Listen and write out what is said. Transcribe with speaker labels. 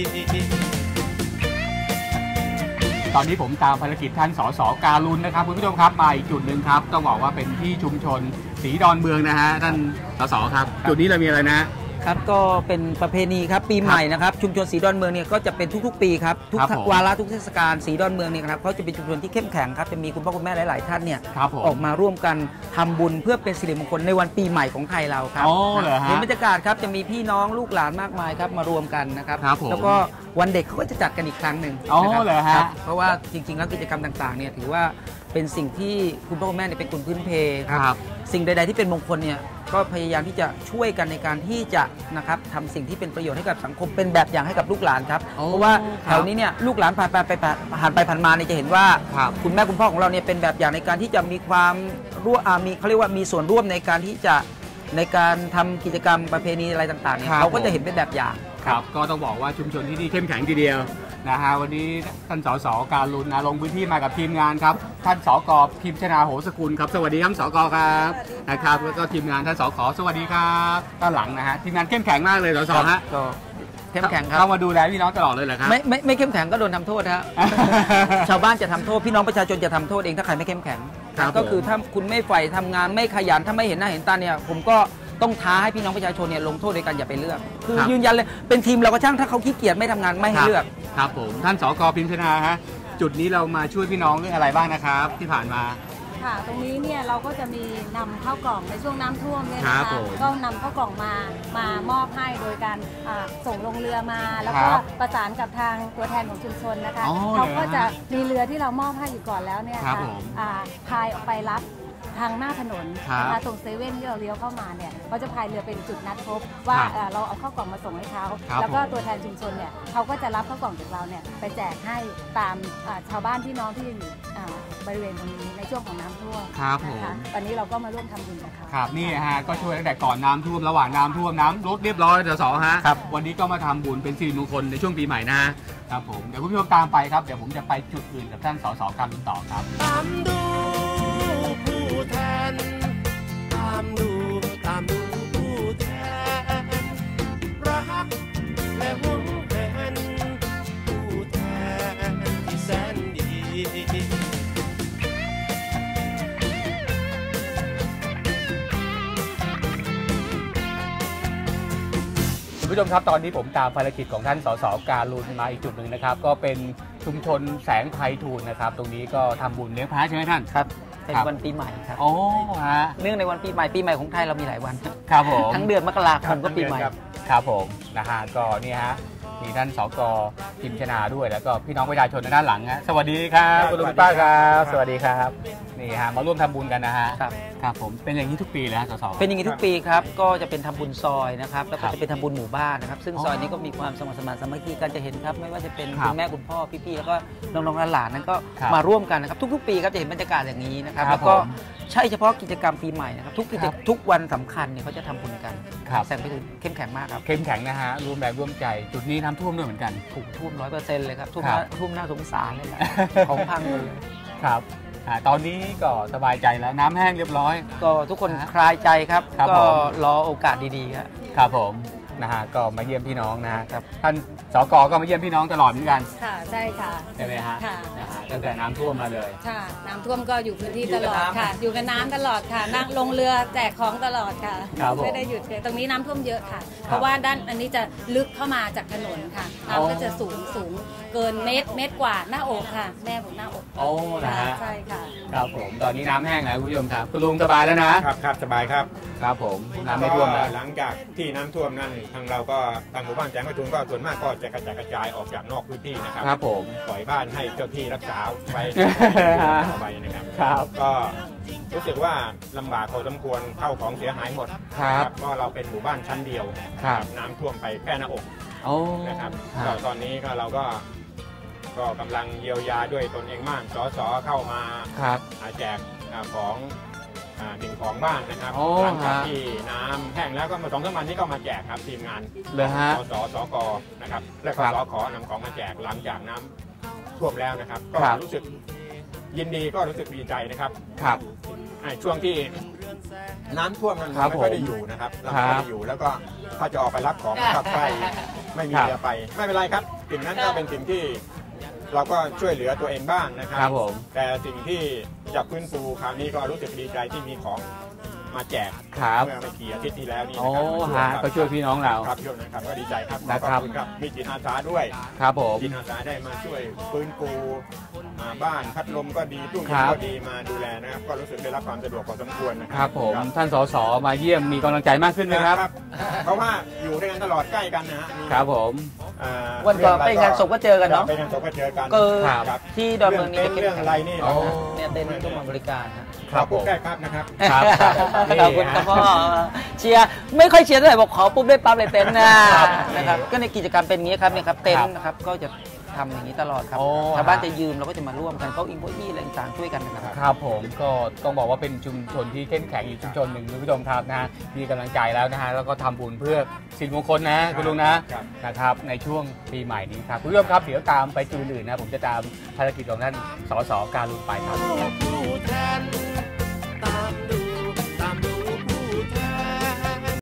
Speaker 1: ตอนนี้ผมตามภารกิจท่านสสการุณนะครับคุณผู้ชมครับมาอีกจุดหนึ่งครับต้องบอกว่าเป็นที่ชุมชนศรีดอนเมืองนะฮะท่านสสครับจุดนี้เรามีอะไรนะครับ
Speaker 2: ก็เป็นประเพณีครับปีใหม่นะครับชุมชนศรีดอนเมืองเนี่ยก็จะเป็นทุกๆปีครับทุกวาระทุกเทศกาลศรีดอนเมืองเนี่ยครับเขาจะเป็นชุมชนที่เข้มแข็งครับจะมีคุณพ่อคุณแม่หลายๆท่านเนี่ยออกมาร่วมกันทำบุญเพื่อเป็นสิริมงคลในวันปีใหม่ของไทยเราครับเห็นบรรยากาศครับจะมีพี่น้องลูกหลานมากมายครับมารวมกันนะครับแล้วก็วันเด็กเขาก็จะจัดกันอีกครั้งหนึ่งนะครับเพราะว่าจริงๆแล้วกิจกรรมต่างๆเนี่ยถือว่าเป็นสิ่งที่คุณพ่อคุณแม่เนี่ยเป็นคนพื้นเพครับสิ่งใดๆที่เป็นมงคลเนี่ยก็พยายามที่จะช่วยกันในการที่จะนะครับทำสิ่งที่เป็นประโยชน์ให้กับสังคมเป็นแบบอย่างให้กับลูกหลานครับเพราะว่าแถวนี้เนี่ยลูกหลานผ่านไปมาเนี่ยจะเห็นว่าคุณแม่คุณพ่อของเราเนี่ยเป็นแบบอย่างในการที่จะมีความมีเขาเรียกว่ามีส่วนร่วมในการที่จะในการทำกิจกรรมประเพณีอะไรต่างๆเนี่ยเขาก็จะเห็นเป็นแบบอย่าง
Speaker 1: ครับก็ต้องบอกว่าชุมชนที่นี่เข้มแข็งทีเดียวนะฮะวันนี้ท่านสสการุณลงพื้นที่มากับทีมงานครับท่านสกพิมชนาโหสกุลครับสวัสดีท่านสกครับนะครับแล้วก็ทีมงานท่านสกสวัสดีครับด้านหลังนะฮะทีมงานเข้มแข็งมากเลยสสฮะ
Speaker 2: ก็เข้มแข็งครับ
Speaker 1: เข้ามาดูแลพี่น้องตลอดเลยเหรอครับ
Speaker 2: ไม่เข้มแข็งก็โดนทำโทษฮะ ชาวบ้านจะทำโทษพี่น้องประชาชนจะทำโทษเองถ้าใครไม่เข้มแข็งก็คือถ้าคุณไม่ใฝ่ทำงานไม่ขยันถ้าไม่เห็นหน้าเห็นตาเนี่ยผมก็ต้องท้าให้พี่น้องประชาชนเนี่ยลงโทษโดยการอย่าไปเลือกคือยืนยันเลยเป็นทีมเราก็ช่างถ้าเขาขี้เกียจไม่ทำงานไม่ให้เลือก
Speaker 1: ครับผมท่านสกพิมชนาฮะจุดนี้เรามาช่วยพี่น้องเรื่องอะไรบ้างนะครับที่ผ่านมา
Speaker 3: ค่ะตรงนี้เนี่ยเราก็จะมีนำข้าวกล่องในช่วงน้ำท่วมเนี่ยนะคะก็นำข้าวกล่องมามอบให้โดยการส่งลงเรือมาแล้วก็ประสานกับทางตัวแทนของชุมชนนะคะเขาก็จะมีเรือที่เรามอบให้อยู่ก่อนแล้วเนี่ยค่ะพายออกไปรับทางหน้าถนนนะคะตรงเซเว่นที่เราเลี้ยวเข้ามาเนี่ยเขาจะพายเรือเป็นจุดนัดพบว่าเราเอาข้าวกล่องมาส่งให้เขาแล้วก็ตัวแทนชุมชนเนี่ยเขาก็จะรับข้าวกล่องจากเราเนี่ยไปแจกให้ตามชาวบ้านพี่น้องที่อยู่บริเวณตรงนี้ในช่วงของน้ำท่วมนะคะตอนนี้เราก็มาร่วมทำบุญกับเขา
Speaker 1: ครับนี่ฮะก็ช่วยตั้งแต่ก่อนน้ำท่วมระหว่างน้ำท่วมน้ำลดเรียบร้อยสสฮะวันนี้ก็มาทำบุญเป็นสิริมงคลในช่วงปีใหม่นะครับผมเดี๋ยวคุณผู้ชมตามไปครับเดี๋ยวผมจะไปจุดอื่นกับท่านสสการุณต่อครับตามดูผู้แทนตามดูผู้แทนรักและห่วงแทนผู้แทนที่แสนดีคุณผู้ชมครับตอนนี้ผมตามภารกิจของท่านสสการุณมาอีกจุดหนึ่งนะครับก็เป็นชุมชนแสงไพฑูรย์นะครับตรงนี้ก็ทำบุญเลี้ยงพระใช่ไหมท่าน
Speaker 2: ครับเป็นวันปีใหม่ครับ
Speaker 1: โอ้ฮะ
Speaker 2: เนื่องในวันปีใหม่ของไทยเรามีหลายวัน
Speaker 1: ครับผม
Speaker 2: ทั้งเดือนมกราคมก็ปีใหม่
Speaker 1: ครับผมนะฮะก็นี่ฮะมีท่านสกพิมชนาด้วยแล้วก็พี่น้องประชาชนด้านหลังฮะสวัสดีครับคุณลุงป้าครับสวัสดีครับนี่ฮะมาร่วมทำบุญกันนะฮะครับผมเป็นอย่างนี้ทุกปีเลยฮะสส
Speaker 2: เป็นอย่างนี้ทุกปีครับก็จะเป็นทำบุญซอยนะครับแล้วก็จะเป็นทำบุญหมู่บ้านนะครับซึ่งซอยนี้ก็มีความสมัครสมานสามัคคีกันจะเห็นครับไม่ว่าจะเป็นคุณแม่คุณพ่อพี่ๆแล้วก็น้องๆหลานๆนั้นก็มาร่วมกันนะครับทุกๆปีครับจะเห็นบรรยากาศอย่างนี้นะครับแล้วก็ใช่เฉพาะกิจกรรมปีใหม่นะครับทุกวันสำคัญเนี่ยเขาจะทำบุญกันแสงไปถึงเข้มแข็งมากครับ
Speaker 1: เข้มแข็งนะฮะรวมแรงร่วมใจจุดนี้น้ำท่วมด้วยเหมือนกัน
Speaker 2: ถูกท่วม100%เลยครับท่วมหน้าสงสารเลยของพังเลย
Speaker 1: ครับตอนนี้ก็สบายใจแล้วน้ำแห้งเรียบร้อย
Speaker 2: ก็ทุกคนคลายใจครับก็รอโอกาสดีๆ
Speaker 1: ครับผมนะฮะก็มาเยี่ยมพี่น้องนะครับท่านสกก็มาเยี่ยมพี่น้องตลอดเหมือนกัน
Speaker 3: ค่ะใช่ค่ะ
Speaker 1: ใช่ไหมฮะตั้งแต่น้ำท่วมมาเลย
Speaker 3: ค่ะน้ำท่วมก็อยู่พื้นที่ตลอดค่ะอยู่กับน้ำตลอดค่ะนั่งลงเรือแจกของตลอดค่ะไม่ได้หยุดเลยตรงนี้น้ำท่วมเยอะค่ะเพราะว่าด้านอันนี้จะลึกเข้ามาจากถนนค่ะน้ำก็จะสูงเกินเมตรกว่าหน้าอกค่ะแม่ผมหน้าอก
Speaker 1: โอ้นะฮะ
Speaker 3: ใช่ค่ะ
Speaker 1: ครับผมตอนนี้น้ำแห้งแล้วคุณผู้ชมครับคุณลุงสบายแล้ว
Speaker 4: ครับสบายครับ
Speaker 1: ครับผมน้ำไม่ท่วมแล้ว
Speaker 4: หลังจากที่น้ำท่วมนั่นทางเราก็ทางหมู่บ้านแสงไพฑูรย์ก็ส่วนมากก็จะกระจายออกจากนอกพื้นที่นะครับ
Speaker 1: ครับผม
Speaker 4: ปล่อยบ้านให้เจ้าที่รักษาไว้ไปนะครับก็รู้สึกว่าลำบากพอสมควรเข้าของเสียหายหมด
Speaker 1: ครับ
Speaker 4: ก็เราเป็นหมู่บ้านชั้นเดียวน้ำท่วมไปแค่หน้าอกนะครับก็ตอนนี้ก็เราก็กำลังเยียวยาด้วยตนเองบ้างสสเข้ามาแจกของสิ่งของบ้านนะครับหลังจากที่น้ำแห้งแล้วก็มา2-3 วันนี้ก็มาแจกครับทีมงานสสสกนะครับและก็สขนำของมาแจกหลังจากน้ำท่วมแล้วนะครับก็รู้สึกยินดีก็รู้สึกดีใจนะครับช่วงที่น้ำท่วมนั้นเราไม่ค่อยได้อยู่นะครับเราไม่ได้อยู่แล้วก็ถ้าจะออกไปรับของขับไปไม่มีเรือไปไม่เป็นไรครับสิ่งนั้นก็เป็นสิ่งที่เราก็ช่วยเหลือตัวเองบ้างนะครับ
Speaker 1: ครับผม
Speaker 4: แต่สิ่งที่จะฟื้นฟูคราวนี้ก็รู้สึกดีใจที่มีของมาแจก
Speaker 1: ครับ
Speaker 4: เมื่อไม่กี่อาทิตย์ที่แล้วนี่
Speaker 1: โอ้
Speaker 4: นะครับ
Speaker 1: ฮะก็ช่วยพี่น้องเรา
Speaker 4: ครับช่วยนะครับก็ดีใจครับ
Speaker 1: นะครับ
Speaker 4: ขอบคุณครับมีจิตอาสาด้วย
Speaker 1: ครับผม
Speaker 4: จิตอาสาได้มาช่วยฟื้นฟูบ้านพัดลมก็ดีตู้เย็
Speaker 1: ครั
Speaker 4: น
Speaker 1: บ
Speaker 4: ก็ดีมาดูแลนะครับก็รู้สึกได้รับความสะดวกพอสมควรนะค
Speaker 1: ค
Speaker 4: รั
Speaker 1: รับผมท่านสสมาเยี่ยมมีกำลังใจมากขึ้นไหมครับ
Speaker 4: เพราะว่าอยู่ด้วยกันตลอดใกล้กันนะฮะมี
Speaker 1: ครับผม
Speaker 2: วันก่อนไปงานศพก็เจอกันเนาะ
Speaker 4: ไปงานศพก็เจอกัน
Speaker 2: ก็
Speaker 4: ครับ
Speaker 2: ที่ดอนเมืองนี่
Speaker 4: เรื่องอะไรนี่
Speaker 1: โอ้
Speaker 2: เนี่ยเต็นท์ก็มาบริการฮะ
Speaker 1: ครับผม
Speaker 4: พูดได้ครับนะครับ
Speaker 1: ครับ
Speaker 2: ขอบคุณครับพ่อเชียร์ไม่ค่อยเชียร์เท่าไหร่บอกขอปุ๊บได้ปั๊บเลยเต็นท์นะครับก็ในกิจกรรมเป็นอย่างนี้ครับเนี่ยครับเต็นท์นะครับก็จะทำอย่างนี้ตลอดครับ
Speaker 1: โอ้
Speaker 2: ชาวบ้านจะยืมเราก็จะมาร่วมกันเก้าอี้อะไรต่างๆช่วยกันนะครับ
Speaker 1: ครับผมก็ต้องบอกว่าเป็นชุมชนที่เข้มแข็งอีกชุมชนหนึ่งคุณผู้ชมครับนะฮะมีกำลังใจแล้วนะฮะแล้วก็ทำบุญเพื่อสิ่งมงคลนะคุณลุงนะครับ นะครับในช่วงปีใหม่นี้ครับคุณผู้ชมครับเดี๋ยวตามไปจุดอื่นนะผมจะตามภารกิจของท่านสสการุณไปครับ
Speaker 5: ผู้แทนตามดู